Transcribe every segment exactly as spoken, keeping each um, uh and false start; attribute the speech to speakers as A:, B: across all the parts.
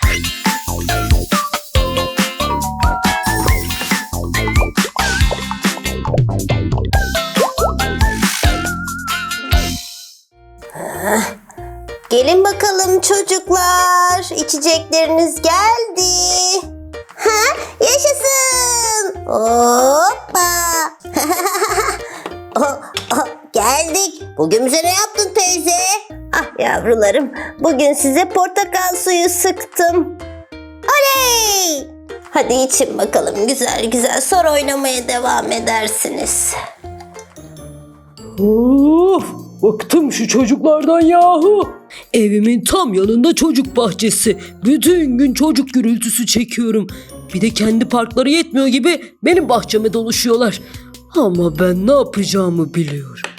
A: Gelin bakalım çocuklar. İçecekleriniz geldi. Ha, yaşasın. Hoppa. oh, oh, geldik. Bugün bize ne yaptın teyze? Ah yavrularım. Bugün size portakal suyu sıktım. Oley. Hadi için bakalım güzel güzel. Sonra oynamaya devam edersiniz.
B: Of! Bıktım şu çocuklardan yahu. Evimin tam yanında çocuk bahçesi. Bütün gün çocuk gürültüsü çekiyorum. Bir de kendi parkları yetmiyor gibi benim bahçeme doluşuyorlar. Ama ben ne yapacağımı biliyorum.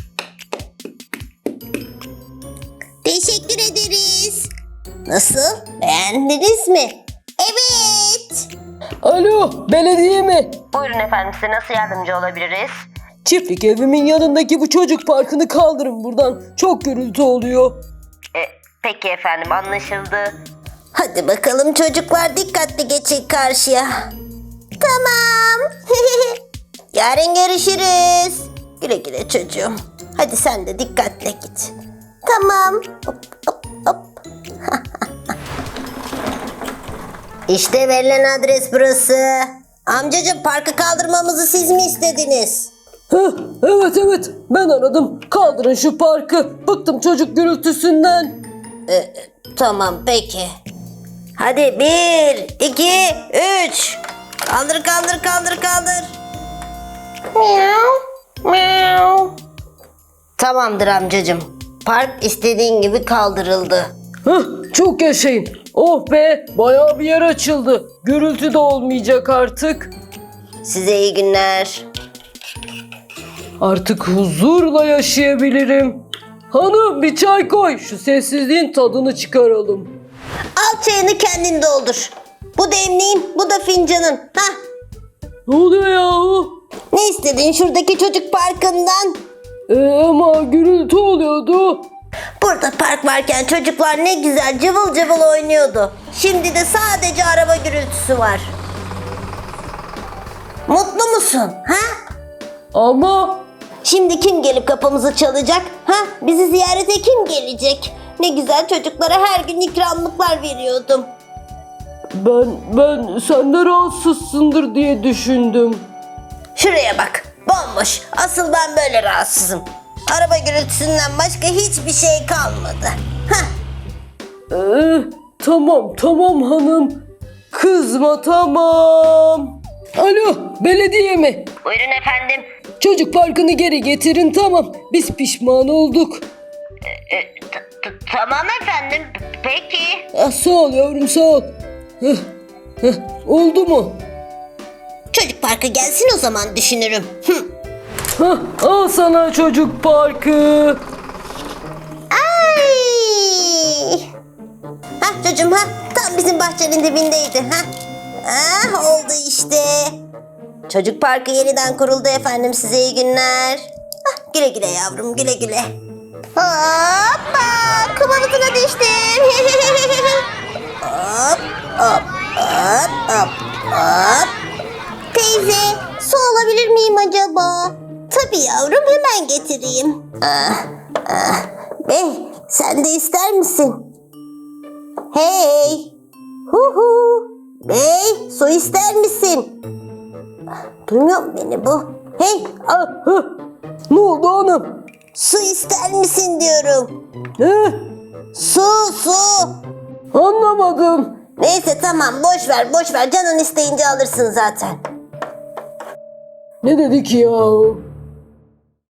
A: Teşekkür ederiz. Nasıl? Beğendiniz mi? Evet.
B: Alo, belediye mi?
A: Buyurun efendim, size nasıl yardımcı olabiliriz?
B: Çiftlik evimin yanındaki bu çocuk parkını kaldırın buradan. Çok gürültü oluyor.
A: E, peki efendim, anlaşıldı. Hadi bakalım çocuklar, dikkatli geçin karşıya. Tamam. Yarın görüşürüz. Güle güle çocuğum. Hadi sen de dikkatle git. Tamam. Hop hop hop. İşte verilen adres burası. Amcacığım, parkı kaldırmamızı siz mi istediniz?
B: Heh, evet evet ben aradım. Kaldırın şu parkı. Bıktım çocuk gürültüsünden.
A: Ee, tamam peki. Hadi bir, iki, üç. Kaldır kaldır kaldır kaldır. Miau, miau. Tamamdır amcacığım. Park istediğin gibi kaldırıldı.
B: Heh, çok yaşayın. Oh be, bayağı bir yer açıldı. Gürültü de olmayacak artık.
A: Size iyi günler.
B: Artık huzurla yaşayabilirim. Hanım bir çay koy. Şu sessizliğin tadını çıkaralım.
A: Al çayını, kendin doldur. Bu demliğin, bu da fincanın. Hah.
B: Ne oluyor yahu?
A: Ne istedin şuradaki çocuk parkından?
B: Ee, ama gürültü oluyordu.
A: Burada park varken çocuklar ne güzel cıvıl cıvıl oynuyordu. Şimdi de sadece araba gürültüsü var. Mutlu musun? Ha?
B: Ama
A: Şimdi kim gelip kapımızı çalacak? Ha? Bizi ziyarete kim gelecek? Ne güzel, çocuklara her gün ikramlıklar veriyordum.
B: ben ben sen de rahatsızsındır diye düşündüm.
A: Şuraya bak, bomboş. Asıl ben böyle rahatsızım. Araba gürültüsünden başka hiçbir şey kalmadı. Hah.
B: Ee, tamam tamam hanım. Kızma tamam. Alo belediye mi?
A: Buyurun efendim.
B: Çocuk parkını geri getirin tamam. Biz pişman olduk.
A: Tamam efendim. Peki.
B: Ah, sağ ol yavrum sağ ol. Heh, heh, oldu mu?
A: Çocuk parkı gelsin o zaman düşünürüm. Hı.
B: Hah, al sana çocuk parkı.
A: Ay. Hah çocuğum, ha tam bizim bahçenin dibindeydi. Ha. Ah, oldu işte. Çocuk parkı yeniden kuruldu efendim, size iyi günler. Ah, güle güle yavrum, güle güle. Hoppa, kum havuzuna düştüm. hop hop hop hop hop. Teyze, su alabilir miyim acaba? Tabii yavrum, hemen getireyim. Ah, ah. Bey, sen de ister misin? Hey! Hu hu! Bey, su ister misin? Duymuyor mu beni bu? Hey!
B: Ah, ah. Ne oldu hanım?
A: Su ister misin diyorum.
B: Ne?
A: Su, su!
B: Anlamadım.
A: Neyse tamam, boş ver, boş ver. Canın isteyince alırsın zaten.
B: Ne dedik ya?